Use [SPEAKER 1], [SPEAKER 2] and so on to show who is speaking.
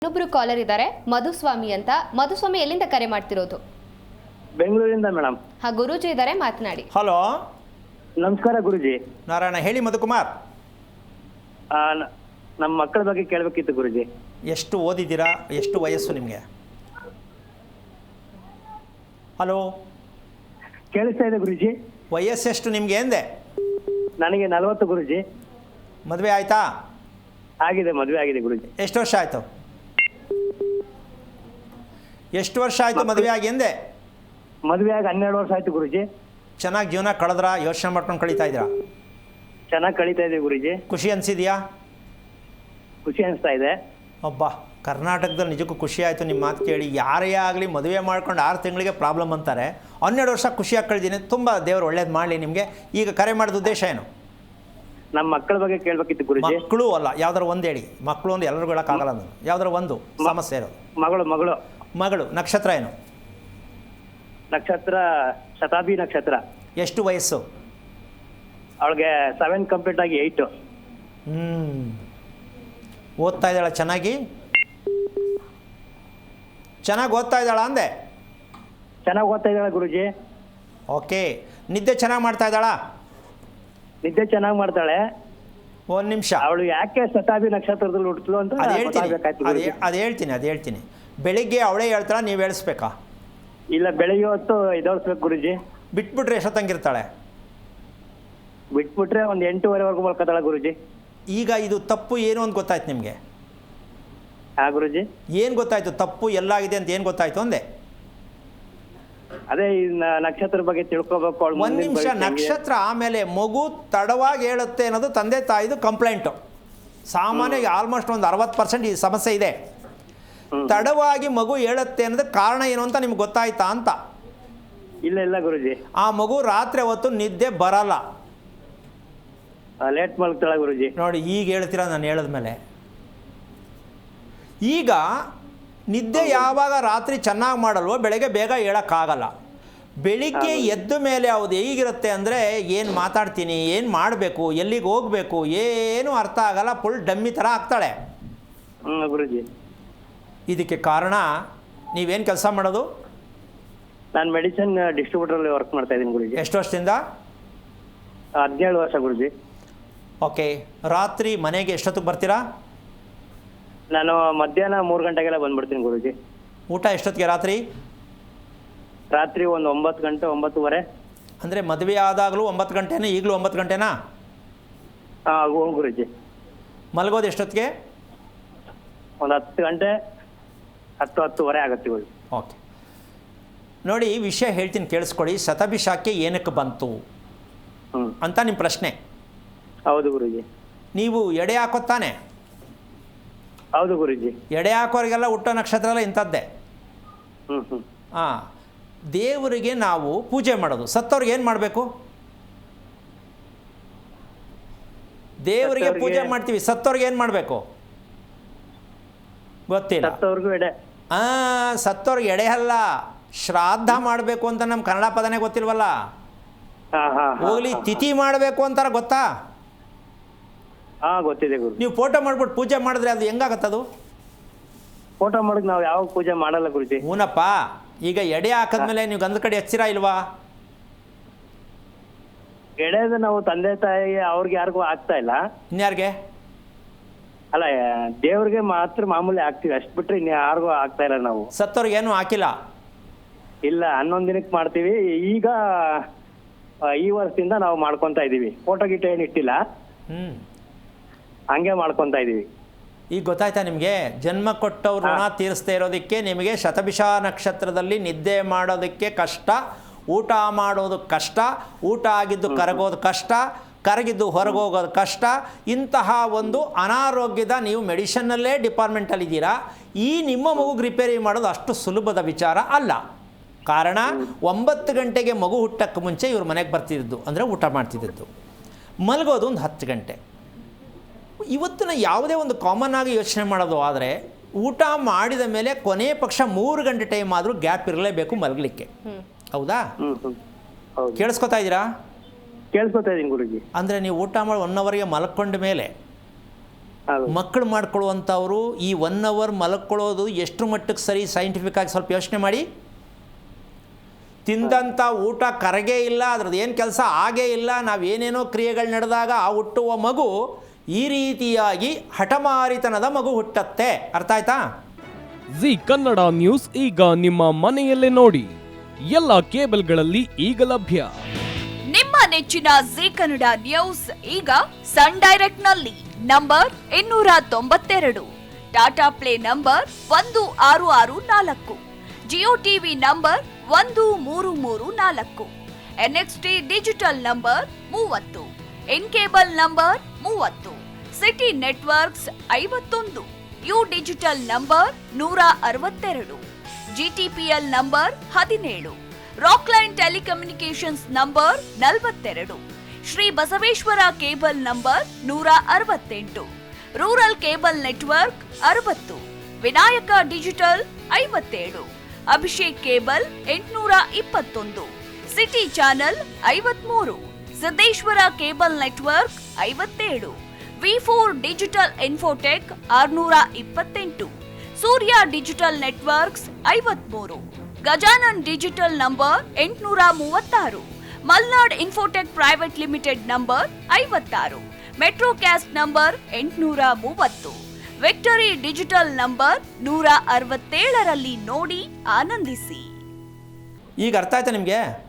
[SPEAKER 1] ಇನ್ನೊಬ್ರು ಕಾಲರ್ ಇದ್ದಾರೆ ಮಧುಸ್ವಾಮಿ ಅಂತ. ಮಧುಸ್ವಾಮಿ ಎಲ್ಲಿಂದ ಕರೆ ಮಾಡ್ತಿರೋದು?
[SPEAKER 2] ಬೆಂಗಳೂರಿಂದ ಮೇಡಮ್.
[SPEAKER 1] ಹಾ, ಗುರೂಜಿ ಇದ್ದಾರೆ, ಮಾತನಾಡಿ.
[SPEAKER 3] ಹಲೋ,
[SPEAKER 2] ನಮಸ್ಕಾರ ಗುರುಜಿ.
[SPEAKER 3] ನಾರಾಯಣ. ಹೇಳಿ ಮಧುಕುಮಾರ್.
[SPEAKER 2] ನಮ್ಮ ಮಕ್ಕಳ ಬಗ್ಗೆ ಕೇಳಬೇಕಿತ್ತು ಗುರುಜಿ.
[SPEAKER 3] ಎಷ್ಟು ಓದಿದ್ದೀರಾ? ಎಷ್ಟು ವಯಸ್ಸು ನಿಮಗೆ? ಹಲೋ,
[SPEAKER 2] ಕೇಳಿಸ್ತಾ ಇದೆ ಗುರುಜಿ.
[SPEAKER 3] ವಯಸ್ಸೆಷ್ಟು ನಿಮಗೆ ಎಂದೆ?
[SPEAKER 2] ನನಗೆ 40 ಗುರುಜಿ.
[SPEAKER 3] ಮದುವೆ ಆಯಿತಾ?
[SPEAKER 2] ಆಗಿದೆ, ಮದುವೆ ಆಗಿದೆ ಗುರುಜಿ.
[SPEAKER 3] ಎಷ್ಟು ವರ್ಷ ಆಯಿತು? ಎಷ್ಟು ವರ್ಷ ಆಯಿತು ಮದುವೆ ಆಗಿ ಎಂದೆ?
[SPEAKER 2] ಮದುವೆ ಆಗಿ 12 ವರ್ಷ ಆಯ್ತು ಗುರುಜಿ.
[SPEAKER 3] ಚೆನ್ನಾಗಿ ಜೀವನ ಕಳೆದ್ರ? ಯೋಚನೆ ಮಾಡ್ಕೊಂಡು ಕಳೀತಾ ಇದ್ದೀರಾ?
[SPEAKER 2] ಚೆನ್ನಾಗಿ ಕಳೀತಾ ಇದೆ ಗುರುಜಿ.
[SPEAKER 3] ಖುಷಿ ಅನಿಸಿದೆಯಾ?
[SPEAKER 2] ಖುಷಿ ಅನಿಸ್ತಾ ಇದೆ.
[SPEAKER 3] ಒಬ್ಬ ಕರ್ನಾಟಕದಲ್ಲಿ ನಿಜಕ್ಕೂ ಖುಷಿ ಆಯಿತು ನಿಮ್ಮ ಮಾತು ಕೇಳಿ. ಯಾರೇ ಆಗಲಿ ಮದುವೆ ಮಾಡ್ಕೊಂಡು 6 ತಿಂಗಳಿಗೆ ಪ್ರಾಬ್ಲಮ್ ಅಂತಾರೆ. 12 ವರ್ಷ ಖುಷಿಯಾಗಿ ಕಳೆದೀನಿ. ತುಂಬ ದೇವರು ಒಳ್ಳೇದು ಮಾಡಲಿ ನಿಮಗೆ. ಈಗ ಕರೆ ಮಾಡಿದ ಉದ್ದೇಶ ಏನು?
[SPEAKER 2] ನಮ್ಮ ಮಕ್ಕಳ ಬಗ್ಗೆ ಕೇಳಬೇಕಿತ್ತು ಗುರುಜಿ.
[SPEAKER 3] ಮಕ್ಕಳು ಅಲ್ಲ, ಯಾವ್ದಾರು ಒಂದು ಹೇಳಿ. ಮಕ್ಕಳು ಒಂದು ಎಲ್ಲರಿಗೂ ಹೇಳೋಕ್ಕಾಗಲ್ಲ. ನಾನು ಯಾವ್ದಾರು ಒಂದು ಸಮಸ್ಯೆ ಇರೋದು.
[SPEAKER 2] ಮಗಳು ಮಗಳು
[SPEAKER 3] ಮಗಳು. ನಕ್ಷತ್ರ ಏನು?
[SPEAKER 2] ನಕ್ಷತ್ರ ಶತಾಬ್ದಿ ನಕ್ಷತ್ರ.
[SPEAKER 3] ಎಷ್ಟು ವಯಸ್ಸು?
[SPEAKER 2] ಅವಳಿಗೆ 7 ಕಂಪ್ಲೀಟ್ ಆಗಿ 8.
[SPEAKER 3] ಓದ್ತಾ ಇದ್ದಾಳ? ಚೆನ್ನಾಗಿ ಓದ್ತಾ ಇದ್ದಾಳ ಅಂದೆ?
[SPEAKER 2] ಚೆನ್ನಾಗಿ ಓದ್ತಾ ಇದ್ದಾಳೆ ಗುರುಜಿ.
[SPEAKER 3] ಓಕೆ. ನಿದ್ದೆ ಚೆನ್ನಾಗಿ ಮಾಡ್ತಾ ಇದ್ದಾಳಾ?
[SPEAKER 2] ನಿದ್ದೆ ಚೆನ್ನಾಗಿ ಮಾಡ್ತಾಳೆ.
[SPEAKER 3] ಒಂದು ನಿಮಿಷ.
[SPEAKER 2] ಅವಳು ಯಾಕೆ ಶತಾಬ್ದಿ ನಕ್ಷತ್ರದಲ್ಲಿ ಹುಟ್ಟಲು ಅಂತ
[SPEAKER 3] ಅದು ಹೇಳ್ತೀನಿ. ಬೆಳಿಗ್ಗೆ ಅವಳೇ ಹೇಳ್ತಾಳ, ನೀವು ಹೇಳಿಸ್ಬೇಕಾ?
[SPEAKER 2] ಇಲ್ಲ, ಬೆಳಿಗ್ಗೆ ಹೊತ್ತು ಎದ್ದೇಳಿಸ್ಬೇಕು ಗುರುಜಿ.
[SPEAKER 3] ಬಿಟ್ಬಿಟ್ರೆ ಎಷ್ಟೊತ್ತಂಗಿರ್ತಾಳೆ?
[SPEAKER 2] ಬಿಟ್ಬಿಟ್ರೆ ಒಂದು 8:30ವರೆಗೂ ಮಲ್ಕೋತಾಳೆ ಗುರುಜಿ.
[SPEAKER 3] ಈಗ ಇದು ತಪ್ಪು ಏನು ಅಂತ ಗೊತ್ತಾಯ್ತು ನಿಮಗೆ?
[SPEAKER 2] ಹಾ ಗುರುಜಿ.
[SPEAKER 3] ಏನು ಗೊತ್ತಾಯ್ತು? ತಪ್ಪು ಎಲ್ಲಾಗಿದೆ ಅಂತ ಏನು ಗೊತ್ತಾಯ್ತು ಅಂದೆ?
[SPEAKER 2] ಅದೇ ಈ ನಕ್ಷತ್ರ ಬಗ್ಗೆ ತಿಳ್ಕೊಬೇಕು.
[SPEAKER 3] ಒಂದು ನಿಮಿಷ. ನಕ್ಷತ್ರ ಆಮೇಲೆ ಮಗು ತಡವಾಗಿ ಹೇಳುತ್ತೆ ಅನ್ನೋದು ತಂದೆ ತಾಯಿದು ಕಂಪ್ಲೇಂಟು. ಸಾಮಾನ್ಯವಾಗಿ ಆಲ್ಮೋಸ್ಟ್ ಒಂದು 60% ಈ ಸಮಸ್ಯೆ ಇದೆ. ತಡವಾಗಿ ಮಗು ಹೇಳುತ್ತೆ ಅನ್ನೋದು ಕಾರಣ ಏನು ಅಂತ ನಿಮ್ಗೆ ಗೊತ್ತಾಯ್ತಾ ಅಂತ?
[SPEAKER 2] ಇಲ್ಲ ಗುರುಜಿ.
[SPEAKER 3] ಆ ಮಗು ರಾತ್ರಿ ಹೊತ್ತು ನಿದ್ದೆ ಬರಲ್ಲ.
[SPEAKER 2] ಲೇಟ್ ಮಲ್ಕ್ತಾಳೆ ಗುರುಜಿ.
[SPEAKER 3] ನೋಡಿ, ಈಗ ಹೇಳ್ತೀರಾ ನಾನು ಹೇಳಿದ್ಮೇಲೆ. ಈಗ ನಿದ್ದೆ ಯಾವಾಗ ರಾತ್ರಿ ಚೆನ್ನಾಗಿ ಮಾಡಲ್ವೋ ಬೆಳಗ್ಗೆ ಬೇಗ ಹೇಳೋಕ್ಕಾಗಲ್ಲ. ಬೆಳಿಗ್ಗೆ ಎದ್ದ ಮೇಲೆ ಅವ್ದು ಹೇಗಿರುತ್ತೆ ಅಂದರೆ, ಏನು ಮಾತಾಡ್ತೀನಿ, ಏನು ಮಾಡಬೇಕು, ಎಲ್ಲಿಗೆ ಹೋಗಬೇಕು, ಏನೂ ಅರ್ಥ ಆಗಲ್ಲ. ಫುಲ್ ಡಮ್ಮಿ ಥರ ಆಗ್ತಾಳೆ
[SPEAKER 2] ಗುರುಜಿ.
[SPEAKER 3] ಇದಕ್ಕೆ ಕಾರಣ ನೀವೇನು ಕೆಲಸ ಮಾಡೋದು?
[SPEAKER 2] ನಾನು ಮೆಡಿಸಿನ್ ಡಿಸ್ಟ್ರಿಬ್ಯೂಟರಲ್ಲಿ ವರ್ಕ್ ಮಾಡ್ತಾ ಇದ್ದೀನಿ ಗುರುಜಿ.
[SPEAKER 3] ಎಷ್ಟು ವರ್ಷದಿಂದ?
[SPEAKER 2] 17 ವರ್ಷ ಗುರುಜಿ.
[SPEAKER 3] ಓಕೆ. ರಾತ್ರಿ ಮನೆಗೆ ಎಷ್ಟೊತ್ತಿಗೆ ಬರ್ತೀರಾ?
[SPEAKER 2] ನಾನು ಮಧ್ಯಾಹ್ನ 3 ಗಂಟೆಗೆಲ್ಲ ಬಂದ್ಬಿಡ್ತೀನಿ ಗುರುಜಿ.
[SPEAKER 3] ಊಟ ಎಷ್ಟೊತ್ತಿಗೆ ರಾತ್ರಿ?
[SPEAKER 2] ರಾತ್ರಿ ಒಂದು 9 ಗಂಟೆ, 9:30.
[SPEAKER 3] ಅಂದರೆ ಮದುವೆ ಆದಾಗಲೂ 9 ಗಂಟೆನಾ? ಈಗಲೂ 9 ಗಂಟೆನಾ?
[SPEAKER 2] ಹಾಂ ಗುರುಜಿ.
[SPEAKER 3] ಮಲಗೋದು ಎಷ್ಟೊತ್ತಿಗೆ?
[SPEAKER 2] ಒಂದು 10 ಗಂಟೆ, 10:30 ಆಗುತ್ತೆ ಗುರುಜಿ.
[SPEAKER 3] ಓಕೆ. ನೋಡಿ, ವಿಷಯ ಹೇಳ್ತೀನಿ ಕೇಳಿಸ್ಕೊಳ್ಳಿ. ಶತಭಿಷಾಖ್ಯ ಏನಕ್ಕೆ ಬಂತು ಅಂತ ನಿಮ್ಮ ಪ್ರಶ್ನೆ.
[SPEAKER 2] ಹೌದು ಗುರುಜಿ.
[SPEAKER 3] ನೀವು ಎಡೆ ಹಾಕೋತಾನೆ?
[SPEAKER 2] ಹೌದು ಗುರುಜಿ.
[SPEAKER 3] ಎಡೆ ಹಾಕೋರಿಗೆಲ್ಲ ಹುಟ್ಟೋ ನಕ್ಷತ್ರ ಎಲ್ಲ ಇಂಥದ್ದೇ. ಹಾಂ. ದೇವರಿಗೆ ನಾವು ಪೂಜೆ ಮಾಡೋದು. ಸತ್ತವ್ರಿಗೆ ಏನು ಮಾಡಬೇಕು? ದೇವರಿಗೆ ಪೂಜೆ ಮಾಡ್ತೀವಿ. ಸತ್ತವ್ರಿಗೆ ಏನು ಮಾಡಬೇಕು ಗೊತ್ತಿಲ್ಲ. ಸತ್ತವ್ರಿಗೆ ಎಡೆ ಅಲ್ಲ, ಶ್ರಾದ್ದ ಮಾಡಬೇಕು ಅಂತ ನಮ್ಮ ಕನ್ನಡ ಪದನೇ ಗೊತ್ತಿಲ್ವಲ್ಲ. ಹೋಗ್ಲಿ, ತಿಥಿ ಮಾಡಬೇಕು ಅಂತಾರ, ಗೊತ್ತಾ?
[SPEAKER 2] ಗೊತ್ತಿದೆ ಗುರು.
[SPEAKER 3] ನೀವು ಫೋಟೋ ಮಾಡ್ಬಿಟ್ಟು ಪೂಜೆ ಮಾಡಿದ್ರೆ ಅದು ಹೆಂಗಾಗತ್ತದು?
[SPEAKER 2] ಫೋಟೋ ಮಾಡೋದು ನಾವು ಯಾವ ಪೂಜೆ ಮಾಡಲ್ಲ ಗುರುಜಿ.
[SPEAKER 3] ಹೂನಪ್ಪ. ಈಗ ಎಡೆ ಹಾಕಿದ್ಮೇಲೆ ನೀವು ಗಂಧ ಕಡೆ ಹಚ್ಚಿರಾ ಇಲ್ವಾ?
[SPEAKER 2] ಎಡೆದು ನಾವು ತಂದೆ ತಾಯಿ ಅವ್ರಿಗೆ ಯಾರಿಗೂ ಆಗ್ತಾ ಇಲ್ಲ.
[SPEAKER 3] ಇನ್ಯಾರಿಗೆ?
[SPEAKER 2] ಅಲ್ಲ, ದೇವ್ರಿಗೆ ಮಾತ್ರ ಮಾಮೂಲಿ ಹಾಕ್ತಿವಿ, ಅಷ್ಟು ಬಿಟ್ರೆ ಇನ್ನು ಯಾರಿಗೂ ಆಗ್ತಾ ಇಲ್ಲ ನಾವು.
[SPEAKER 3] ಸತ್ತವ್ರಿಗೆ ಏನು ಹಾಕಿಲ್ಲ?
[SPEAKER 2] ಇಲ್ಲ, 11 ದಿನಕ್ಕೆ ಮಾಡ್ತೀವಿ. ಈಗ ಈ ವರ್ಷದಿಂದ ನಾವು ಮಾಡ್ಕೊತಾ ಇದೀವಿ. ಫೋಟೋ ಗಿಟ ಏನು ಇಟ್ಟಿಲ್ಲ, ಹಂಗೆ ಮಾಡ್ಕೊತಾ ಇದೀವಿ.
[SPEAKER 3] ಈಗ ಗೊತ್ತಾಯ್ತಾ ನಿಮಗೆ? ಜನ್ಮ ಕೊಟ್ಟವ್ರು ಋಣ ತೀರಿಸ್ತಾ ಇರೋದಕ್ಕೆ ನಿಮಗೆ ಶತಭಿಷ ನಕ್ಷತ್ರದಲ್ಲಿ ನಿದ್ದೆ ಮಾಡೋದಕ್ಕೆ ಕಷ್ಟ, ಊಟ ಮಾಡೋದು ಕಷ್ಟ, ಊಟ ಆಗಿದ್ದು ಕರಗೋದು ಕಷ್ಟ, ಕರಗಿದ್ದು ಹೊರಗೋಗೋದು ಕಷ್ಟ. ಇಂತಹ ಒಂದು ಅನಾರೋಗ್ಯದ ನೀವು ಮೆಡಿಷನ್ನಲ್ಲೇ ಡಿಪಾರ್ಟ್ಮೆಂಟಲ್ಲಿದ್ದೀರಾ. ಈ ನಿಮ್ಮ ಮಗುಗೆ ರಿಪೇರಿ ಮಾಡೋದು ಅಷ್ಟು ಸುಲಭದ ವಿಚಾರ ಅಲ್ಲ. ಕಾರಣ, 9 ಗಂಟೆಗೆ ಮಗು ಹುಟ್ಟಕ್ಕೆ ಮುಂಚೆ ಇವ್ರ ಮನೆಗೆ ಬರ್ತಿದ್ದು, ಅಂದರೆ ಊಟ ಮಾಡ್ತಿದ್ದದ್ದು. ಮಲಗೋದು ಒಂದು 10 ಗಂಟೆ. ಇವತ್ತಿನ ಯಾವುದೇ ಒಂದು ಕಾಮನ್ ಆಗಿ ಯೋಚನೆ ಮಾಡೋದು ಆದರೆ, ಊಟ ಮಾಡಿದ ಮೇಲೆ ಕೊನೆ ಪಕ್ಷ 3 ಗಂಟೆ ಟೈಮ್ ಆದರೂ ಗ್ಯಾಪ್ ಇರಲೇಬೇಕು ಮಲಗಲಿಕ್ಕೆ. ಹೌದಾ? ಕೇಳಿಸ್ಕೊತಾ ಇದ್ದೀರಾ?
[SPEAKER 2] ಕೇಳಿಸ್ಕೊತಾ ಇದ್ದೀನಿ ಗುರುಜಿ.
[SPEAKER 3] ಅಂದರೆ ನೀವು ಊಟ ಮಾಡಿ 1 ಅವರ್ಗೆ ಮಲ್ಕೊಂಡ ಮೇಲೆ
[SPEAKER 2] ಹೌದು.
[SPEAKER 3] ಮಕ್ಕಳು ಮಾಡ್ಕೊಳ್ಳುವಂಥವ್ರು ಈ 1 ಅವರ್ ಮಲಕ್ಕೊಳ್ಳೋದು ಎಷ್ಟು ಮಟ್ಟಕ್ಕೆ ಸರಿ ಸೈಂಟಿಫಿಕ್ ಆಗಿ ಸ್ವಲ್ಪ ಯೋಚನೆ ಮಾಡಿ. ತಿಂದಂಥ ಊಟ ಕರಗೇ ಇಲ್ಲ, ಅದ್ರದ್ದು ಏನು ಕೆಲಸ ಆಗೇ ಇಲ್ಲ, ನಾವೇನೇನೋ ಕ್ರಿಯೆಗಳು ನಡೆದಾಗ ಆ ಹುಟ್ಟುವ ಮಗು ಈ ರೀತಿಯಾಗಿ ಹಠಮಾರಿತನದ ಮಗು ಹುಟ್ಟತ್ತೆ. ಅರ್ಥ ಆಯ್ತಾ?
[SPEAKER 4] ಜಿ ಕನ್ನಡ ನ್ಯೂಸ್ ಈಗ ನಿಮ್ಮ ಮನೆಯಲ್ಲೇ ನೋಡಿ. ಎಲ್ಲ ಕೇಬಲ್ಗಳಲ್ಲಿ ಈಗ ಲಭ್ಯ.
[SPEAKER 5] ನಿಮ್ಮ ನೆಚ್ಚಿನ ಜಿ ಕನ್ನಡ ನ್ಯೂಸ್ ಈಗ ಸನ್ ಡೈರೆಕ್ಟ್ ನಲ್ಲಿ number 292, Tata Play number 1664, Jio TV number 1334, NXT digital number 30, in cable number 30, city networks 51, U digital number 162, GTPL number 17, Rockline telecommunications number 42, Shri Basaveshwara cable number 168, rural cable network 60, Vinayaka digital 57, Abhishek cable 821, city channel 53, Siddeshwara cable network 57, V4 digital infotech 628, Surya digital networks 53, Gajanan digital number 836, Malnad infotech private limited number 56, Metrocast number 830, victory digital number 167ರಲ್ಲಿ ನೋಡಿ ಆನಂದಿಸಿ.
[SPEAKER 3] ಈಗ ಅರ್ಥ ಆಯ್ತಾ ನಿಮಗೆ?